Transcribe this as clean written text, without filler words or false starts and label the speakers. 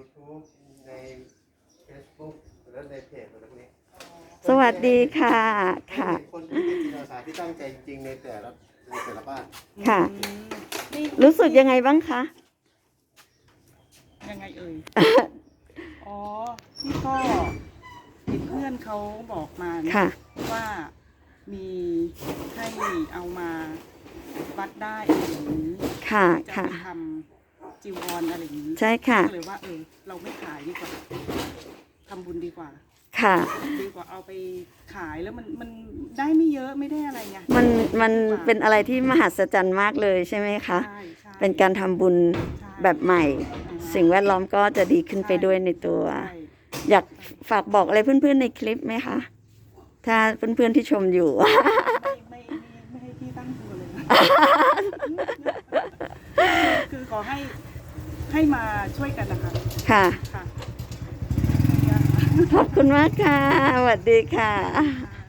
Speaker 1: YouTube ใน Facebook และในเพจอะไรพวกนี้
Speaker 2: สวัสดีค่ะค่ะ
Speaker 1: คนที่เป็นจิตอาสาที่ตั้งใจจริงๆในแต่ละบ้าน
Speaker 2: ค่ะ รู้สึกยังไงบ้างคะ
Speaker 3: ยังไงเอ่ย อ๋อนี่ก็เห็นเพื่อนเขาบอกมานะ
Speaker 2: ค่ะ
Speaker 3: ว่ามีให้เอามาวัดได้อะไรอย่างนี้
Speaker 2: ค่ะ
Speaker 3: จะ
Speaker 2: ค่ะ
Speaker 3: ไปทำจีวรอะไรอย่างนี้
Speaker 2: ใช่ค่ะ
Speaker 3: ก็เลยว่าเราไม่ขายดีกว่าทำบุญดีกว่า
Speaker 2: ค่ะ
Speaker 3: ดีกว่าเอาไปขายแล้วมันได้ไม่เยอะไม่ได้อะไรไง
Speaker 2: มันเป็นอะไรที่มหัศจรรย์มากเลยใช่ไหมคะ
Speaker 3: ใช่ใช่
Speaker 2: เป็นการทำบุญแบบใหม่ สิ่งแวดล้อมก็จะดีขึ้นไปด้วยในตัว
Speaker 3: ใช่
Speaker 2: อยากฝากบอกอะไรเพื่อนๆในคลิปไหมคะ ถ้าเพื่อนๆที่ชมอยู่
Speaker 3: ไม่ให้พี่ตั้งตัวเลยนะ คือขอให้มาช่วยกันนะคะ
Speaker 2: ค่ะ
Speaker 3: ค่ะ
Speaker 2: ขอบคุณมากค่ะ สวัสดีค่ะ
Speaker 3: ค่ะ